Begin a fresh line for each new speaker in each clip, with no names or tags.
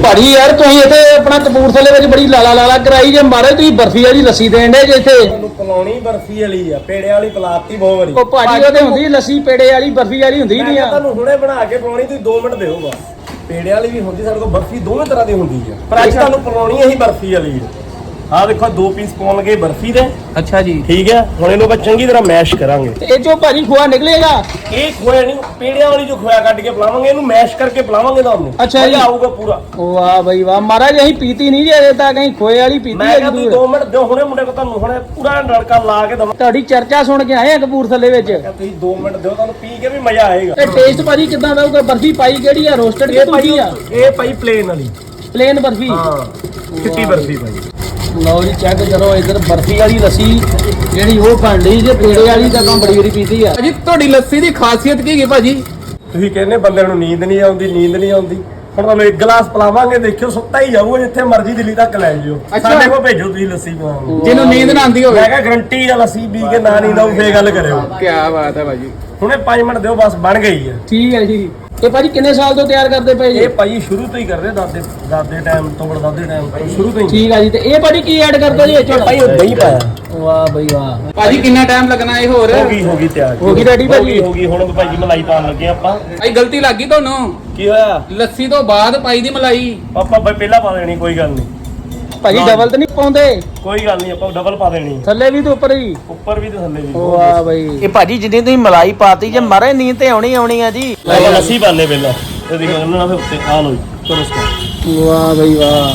ਭਾਜੀ ਯਾਰ ਤੁਸੀਂ ਇੱਥੇ ਆਪਣਾ ਕਪੂਰਥਲੇ ਵਿੱਚ ਬੜੀ ਲਾਲਾ ਕਰਾਈ ਜੇ ਮਾਰੇ ਤੁਸੀਂ ਬਰਫੀ ਵਾਲੀ ਲੱਸੀ ਦੇਣ ਦੇ ਜੇ ਇੱਥੇ
ਤੁਹਾਨੂੰ ਪਲਾਉਣੀ ਬਰਫੀ ਵਾਲੀ ਆ ਪੇੜੇ ਵਾਲੀ ਪਲਾਤੀ ਬਹੁਤ ਵਾਰੀ
ਉਹ ਭਾਜੀ ਉਹਦੇ ਹੁੰਦੀ ਲੱਸੀ ਪੇੜੇ ਵਾਲੀ ਬਰਫੀ ਵਾਲੀ ਹੁੰਦੀ ਨਹੀਂ ਆ
ਤੁਹਾਨੂੰ ਹੁਣੇ ਬਣਾ ਕੇ ਪਲਾਉਣੀ ਤੁਸੀਂ 2 ਮਿੰਟ ਦਿਓ ਬਸ ਪੇੜੇ ਵਾਲੀ ਵੀ ਹੁੰਦੀ ਸਾਡੇ ਕੋਲ ਬਰਫੀ ਦੋਵੇਂ ਤਰ੍ਹਾਂ ਦੀ ਹੁੰਦੀ ਆ ਪਰ ਅੱਜ ਤੁਹਾਨੂੰ ਪਲਾਉਣੀ ਇਹੀ ਬਰਫੀ ਵਾਲੀ ਆ ਦੇਖੋ 2 ਪੀਸ ਪਾਉਣਗੇ ਬਰਫੀ ਦੇ
ਅੱਛਾ ਜੀ
ਠੀਕ ਹੈ ਹੁਣ ਇਹਨੂੰ ਆਪਾਂ ਚੰਗੀ ਤਰ੍ਹਾਂ ਮੈਸ਼ ਕਰਾਂਗੇ
ਇਹ ਚੋਂ ਭਾਜੀ ਖੋਆ ਨਿਕਲੇਗਾ
ਇਹ ਖੋਇਆ ਨਹੀਂ ਪੇੜਿਆਂ ਵਾਲੀ ਜੋ ਖੋਇਆ ਕੱਢ ਕੇ ਪਲਾਵਾਂਗੇ ਇਹਨੂੰ ਮੈਸ਼ ਕਰਕੇ ਪਲਾਵਾਂਗੇ ਤੁਹਾਨੂੰ
ਅੱਛਾ ਜੀ
ਆਊਗਾ ਪੂਰਾ
ਵਾਹ ਬਈ ਵਾਹ ਮਹਾਰਾਜ ਅਸੀਂ ਪੀਤੀ ਨਹੀਂ ਜੇ ਅਜੇ ਤੱਕ ਅਸੀਂ ਖੋਏ ਵਾਲੀ ਪੀਤੀ
ਮੈਂ
ਹੈ
ਕਿਹਾ ਤੁਸੀਂ 2 ਮਿੰਟ ਦਿਓ ਹੁਣੇ ਮੁੰਡੇ ਕੋ ਤੁਹਾਨੂੰ ਹੁਣੇ ਪੂਰਾ ਨਲਕਾ ਲਾ ਕੇ ਦਵਾਂ
ਤੁਹਾਡੀ ਚਰਚਾ ਸੁਣ ਕੇ ਆਏ ਆ ਕਪੂਰਥਲੇ ਵਿੱਚ
ਤੁਸੀਂ 2 ਮਿੰਟ ਦਿਓ ਤੁਹਾਨੂੰ ਪੀ ਕੇ ਵੀ ਮਜ਼ਾ ਆਏਗਾ
ਇਹ ਟੇਸਟ ਭਾਜੀ ਕਿੱਦਾਂ ਦਾ ਹੋਊਗਾ ਬਰਫੀ ਪਾਈ ਕਿਹੜੀ ਆ ਰੋਸਟਡ ਕਿ ਦੂਜੀ ਆ
ਇਹ ਭਾਈ ਪਲੇਨ ਵਾਲੀ
ਪਲੇਨ ਬਰਫੀ
ਹਾਂ ਚਿੱਟੀ ਬਰਫੀ ਭਾਈ
ਲਓ ਜੀ ਚੈੱਕ ਕਰੋ ਇਧਰ ਬਰਫੀ ਵਾਲੀ ਲੱਸੀ ਜਿਹੜੀ ਉਹ ਬਣ ਰਹੀ ਜੇ ਪੇੜੇ ਵਾਲੀ ਤਾਂ ਕੰਮ ਬੜੀ ਵਾਰੀ ਪੀਤੀ ਆ
ਭਾਜੀ ਤੁਹਾਡੀ ਲੱਸੀ ਦੀ ਖਾਸੀਅਤ ਕੀ ਹੈ ਭਾਜੀ?
ਤੁਸੀਂ ਕਹਿੰਦੇ ਬੰਦੇ ਨੂੰ ਨੀਂਦ ਨਹੀਂ ਆਉਂਦੀ ਹੁਣ ਤੁਹਾਨੂੰ ਇੱਕ ਗਲਾਸ ਪਿਲਾਵਾਂਗੇ ਦੇਖਿਓ ਸੁੱਤਾ ਹੀ ਜਾਊਗਾ ਜਿੱਥੇ ਮਰਜ਼ੀ ਦਿੱਲੀ ਤੱਕ ਲੈ ਜਿਓ ਸਾਡੇ ਕੋਲ ਭੇਜੋ ਤੁਸੀਂ ਲੱਸੀ ਪਿਲਾਉਣ
ਜਿਹਨੂੰ ਨੀਂਦ ਨਾ ਆਉਂਦੀ ਹੋਵੇ
ਮੈਂ ਕਿਹਾ ਗਰੰਟੀ ਆ ਲੱਸੀ ਪੀ ਕੇ ਨਾ ਨੀਂਦ ਆਊ ਫੇਰ ਗੱਲ ਕਰਿਓ
ਕੀ ਬਾਤ ਹੈ ਭਾਜੀ।
ਹੁਣੇ 5 ਮਿੰਟ ਦਿਓ ਬਸ ਬਣ ਗਈ ਆ
ਠੀਕ ਹੈ ਜੀ ਇਹ ਭਾਜੀ ਕਿੰਨੇ ਸਾਲ ਤੋਂ ਤਿਆਰ ਕਰਦੇ ਪਏ ਜੀ
ਇਹ ਭਾਈ ਸ਼ੁਰੂ ਤੋਂ ਹੀ ਕਰਦੇ ਦਾਦੇ ਟਾਈਮ ਤੋਂ ਬੜਦਾਦੇ ਟਾਈਮ ਤੋਂ ਸ਼ੁਰੂ ਤੋਂ ਹੀ
ਠੀਕ ਆ ਜੀ ਤੇ ਇਹ ਭਾਜੀ ਕੀ ਐਡ ਕਰਦੇ ਜੀ ਇਹ ਚ
ਭਾਈ ਉਹ ਦਹੀਂ ਪਾਇਆ
ਵਾਹ ਬਈ ਵਾਹ
ਭਾਜੀ ਕਿੰਨਾ ਟਾਈਮ ਲੱਗਣਾ ਇਹ ਹੋਰ?
ਹੋ ਗਈ ਤਿਆਰ
ਹੋ ਗਈ ready ਭਾਜੀ?
ਹੋ ਗਈ ਹੁਣ ਭਾਈ ਮਲਾਈ ਪਾਉਣ ਲੱਗੇ ਆਪਾਂ
ਭਾਈ ਗਲਤੀ ਲੱਗ ਗਈ ਤੁਹਾਨੂੰ
ਕੀ ਹੋਇਆ
ਲੱਸੀ ਤੋਂ ਬਾਅਦ ਪਾਈ ਦੀ ਮਲਾਈ।
ਆਪਾਂ ਭਾਈ ਪਹਿਲਾਂ ਪਾ ਦੇਣੀ ਕੋਈ ਗੱਲ ਨਹੀਂ
ਭਾਜੀ ਡਬਲ ਤਾਂ ਨਹੀਂ ਪਾਉਂਦੇ
ਕੋਈ ਗੱਲ ਨਹੀਂ ਆਪਾਂ ਡਬਲ ਪਾ ਦੇਣੀ
ਥੱਲੇ ਵੀ ਤੇ ਉੱਪਰ ਵੀ
ਉੱਪਰ ਵੀ ਤੇ ਥੱਲੇ ਵੀ
ਵਾਹ ਬਈ ਇਹ ਭਾਜੀ ਜਿੰਨੀ ਤੁਸੀਂ ਮਲਾਈ ਪਾਤੀ ਜੇ ਮਾਰੇ ਨੀਂਦ ਤੇ ਆਉਣੀ ਆ ਜੀ
ਆਪਾਂ ਲੱਸੀ ਪਾ ਲੈ ਪਹਿਲਾਂ ਇਹ ਦੇਖੋ ਇਹਨਾਂ ਨਾਲ ਉੱਤੇ ਆ ਲੋ ਚਲੋ ਸਟਾਰਟ
ਵਾਹ ਬਈ ਵਾਹ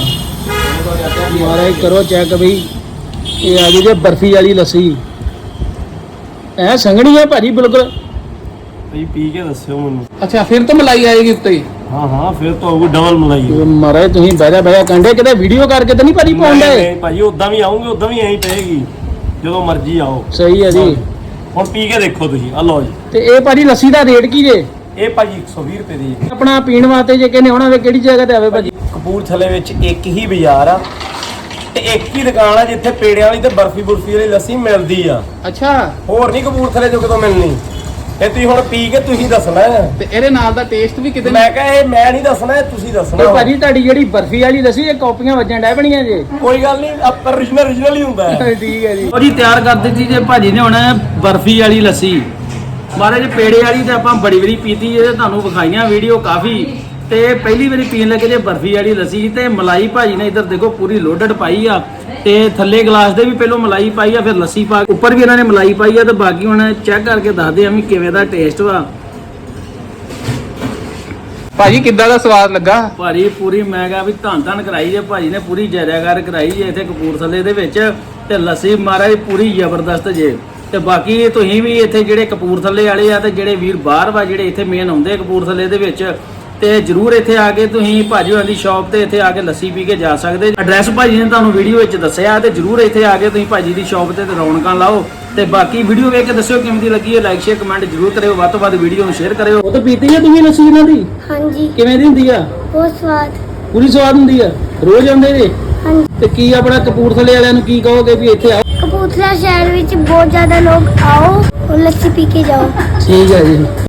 ਮਾਰੇ ਕਰੋ ਚੈੱਕ ਬਈ ਇਹ ਆ ਗਈ ਜੇ ਬਰਫੀ ਵਾਲੀ ਲੱਸੀ ਐ ਸੰਘਣੀ ਆ ਭਾਜੀ ਬਿਲਕੁਲ
ਭਾਈ ਪੀ ਕੇ ਦੱਸਿਓ ਮੈਨੂੰ
ਅੱਛਾ ਫਿਰ ਤਾਂ ਮਲਾਈ ਆਏਗੀ ਉੱਤੇ।
ਹਾਂ ਫਿਰ ਤਾਂ ਆਊਗੀ ਡਬਲ ਮਲਾਈ
ਮਾਰੇ ਤੁਸੀਂ ਬਹਿ ਕੰਡੇ ਕਿਤੇ ਵੀਡੀਓ ਕਰਕੇ ਤਾਂ ਨਹੀਂ ਭਾਜੀ ਪਾਉਂਦੇ
ਨਹੀਂ ਭਾਈ ਉਦਾਂ ਵੀ ਆਉਂਗੇ ਉਦਾਂ ਵੀ ਐਂ ਪਏਗੀ ਜਦੋਂ ਮਰਜ਼ੀ ਆਓ
ਸਹੀ ਹੈ ਜੀ
ਹੁਣ ਪੀ ਕੇ ਦੇਖੋ ਤੁਸੀਂ ਆ ਲਓ ਜੀ
ਤੇ ਇਹ ਭਾਜੀ ਲੱਸੀ ਦਾ ਰੇਟ ਕੀ ਜੇ
ਇਹ ਭਾਜੀ 120 ਰੁਪਏ ਦੀ ਹੈ।
ਆਪਣਾ ਪੀਣ ਵਾਸਤੇ ਜੇ ਕਹਿੰਦੇ ਆਉਣਾ ਵੇ ਕਿਹੜੀ ਜਗ੍ਹਾ ਤੇ ਆਵੇ ਭਾਜੀ?
ਕਪੂਰਥਲੇ ਵਿੱਚ ਇੱਕ ਹੀ ਬਾਜ਼ਾਰ ਆ ਤੇ ਇੱਕ ਹੀ ਦੁਕਾਨ ਆ ਜਿੱਥੇ ਪੇੜਿਆਂ ਵਾਲੀ ਤੇ ਬਰਫੀ ਵਾਲੀ ਲੱਸੀ ਮਿਲਦੀ ਆ
ਅੱਛਾ
ਹੋਰ ਨਹੀਂ ਕਪੂਰਥਲੇ ਚੋਂ ਕਿਤੋਂ ਮਿਲਣੀ ਇਹ ਤੁਸੀਂ ਹੁਣ ਪੀ ਕੇ ਤੁਸੀਂ ਦੱਸਣਾ ਹੈ।
ਤੇ ਇਹਦੇ ਨਾਲ ਦਾ ਟੇਸਟ ਵੀ ਕਿਤੇ
ਮੈਂ ਕਿਹਾ ਇਹ ਮੈਂ ਨਹੀਂ ਦੱਸਣਾ ਇਹ ਤੁਸੀਂ
ਤੇ
ਦੱਸਣਾ
ਭਾਜੀ ਤੁਹਾਡੀ ਜਿਹੜੀ ਬਰਫੀ ਵਾਲੀ ਲੱਸੀ ਇਹ ਕਾਪੀਆਂ ਵੱਜਣ ਡੈ ਬਣੀਆਂ ਜੇ
ਕੋਈ ਗੱਲ ਨਹੀਂ ਆਪਾਂ origignal ਹੀ ਹੁੰਦਾ ਹੈ
ਠੀਕ ਹੈ ਜੀ
ਉਹ ਜੀ ਤਿਆਰ ਕਰ ਦਿੱਤੀ ਜੇ ਭਾਜੀ ਨੇ ਹੁਣ ਬਰਫੀ ਵਾਲੀ ਲੱਸੀ ਮਹਾਰਾਜ ਪੇੜੇ ਵਾਲੀ ਤੇ ਆਪਾਂ ਬੜੀ ਵਾਰੀ ਪੀਤੀ ਇਹ ਤੁਹਾਨੂੰ ਵਿਖਾਈਆਂ ਵੀਡੀਓ ਕਾਫੀ ਤੇ ਪਹਿਲੀ ਵਾਰੀ ਪੀਣ ਲੱਗੇ ਜੇ ਬਰਫੀ ਵਾਲੀ ਲੱਸੀ ਤੇ ਮਲਾਈ ਭਾਜੀ ਨੇ ਇੱਧਰ ਦੇਖੋ ਪੂਰੀ ਲੋਡਡ ਪਾਈ ਆ ਤੇ ਥੱਲੇ ਗਲਾਸ ਦੇ ਵੀ ਪਹਿਲਾਂ ਮਲਾਈ ਪਾਈ ਆ ਫਿਰ ਲੱਸੀ ਪਾ ਉੱਪਰ ਵੀ ਇਹਨਾਂ ਨੇ ਮਲਾਈ ਪਾਈ ਆ ਤੇ ਬਾਕੀ ਹੁਣ ਚੈੱਕ ਕਰਕੇ ਦੱਸਦੇ ਆ ਵੀ ਕਿਵੇਂ ਦਾ ਟੇਸਟ ਵਾ
ਭਾਜੀ ਕਿੱਦਾਂ ਦਾ ਸਵਾਦ ਲੱਗਾ?
ਭਾਜੀ ਪੂਰੀ ਮੈਂ ਕਿਹਾ ਵੀ ਧੰਨ ਕਰਾਈ ਜੇ ਭਾਜੀ ਨੇ ਪੂਰੀ ਜੈਰਾਗਰ ਕਰਾਈ ਜੇ ਇੱਥੇ ਕਪੂਰਥਲੇ ਦੇ ਵਿੱਚ ਤੇ ਲੱਸੀ ਮਹਾਰਾਜ ਪੂਰੀ ਜ਼ਬਰਦਸਤ ਜੇ ਤੇ ਬਾਕੀ ਤੁਸੀਂ ਵੀ ਇੱਥੇ ਜਿਹੜੇ ਕਪੂਰਥਲੇ ਵਾਲੇ ਆ ਤੇ ਜਿਹੜੇ ਵੀਰ ਬਾਹਰ ਵਾ ਜਿਹੜੇ ਇੱਥੇ ਮੇਨ ਆਉਂਦੇ ਕਪੂਰਥਲੇ ਦੇ ਵਿੱਚ ਤੇ ਜਰੂਰ ਇੱਥੇ ਆ ਕੇ ਤੁਸੀਂ ਭਾਜੀ ਹੋਰਾਂ ਦੀ ਸ਼ਾਪ ਤੇ ਇੱਥੇ ਆ ਕੇ ਲੱਸੀ ਪੀ ਕੇ ਜਾ ਸਕਦੇ। ਐਡਰੈਸ ਭਾਜੀ ਨੇ ਤੁਹਾਨੂੰ ਵੀਡੀਓ ਵਿੱਚ ਦੱਸਿਆ ਤੇ ਜਰੂਰ ਇੱਥੇ ਆ ਕੇ ਤੁਸੀਂ ਭਾਜੀ ਦੀ ਸ਼ਾਪ ਤੇ ਰੌਣਕਾਂ ਲਾਓ ਤੇ ਬਾਕੀ ਵੀਡੀਓ ਵੇਖ ਕੇ ਦੱਸਿਓ ਕਿਵੇਂ ਦੀ ਲੱਗੀ ਹੈ ਲਾਈਕ ਸ਼ੇਅਰ ਕਮੈਂਟ ਜਰੂਰ ਕਰਿਓ ਵੱਧ ਤੋਂ ਵੱਧ ਵੀਡੀਓ ਨੂੰ ਸ਼ੇਅਰ ਕਰਿਓ।
ਉਹ ਤਾਂ ਪੀਤੀ ਹੈ ਤੁਸੀਂ ਲੱਸੀ ਇਹਨਾਂ ਦੀ
ਹਾਂਜੀ
ਕਿਵੇਂ ਦੀ ਹੁੰਦੀ ਆ?
ਬਹੁਤ ਸਵਾਦ।
ਪੂਰੀ ਸਵਾਦ ਹੁੰਦੀ ਆ ਰੋਜ਼ ਆਉਂਦੇ ਜੇ
ਹਾਂਜੀ
ਤੇ ਕੀ ਆਪਣਾ ਕਪੂਰਥਲੇ ਵਾਲਿਆਂ ਨੂੰ ਕੀ ਕਹੋਗੇ ਵੀ ਇੱਥੇ ਆਓ?
ਕਪੂਰਥਲਾ ਸ਼ਹਿਰ ਵਿੱਚ ਬਹੁਤ ਜ਼ਿਆਦਾ ਲੋਕ ਆਓ और ਲੱਸੀ ਪੀ ਕੇ ਜਾਓ।
ਠੀਕ ਹੈ ਜੀ।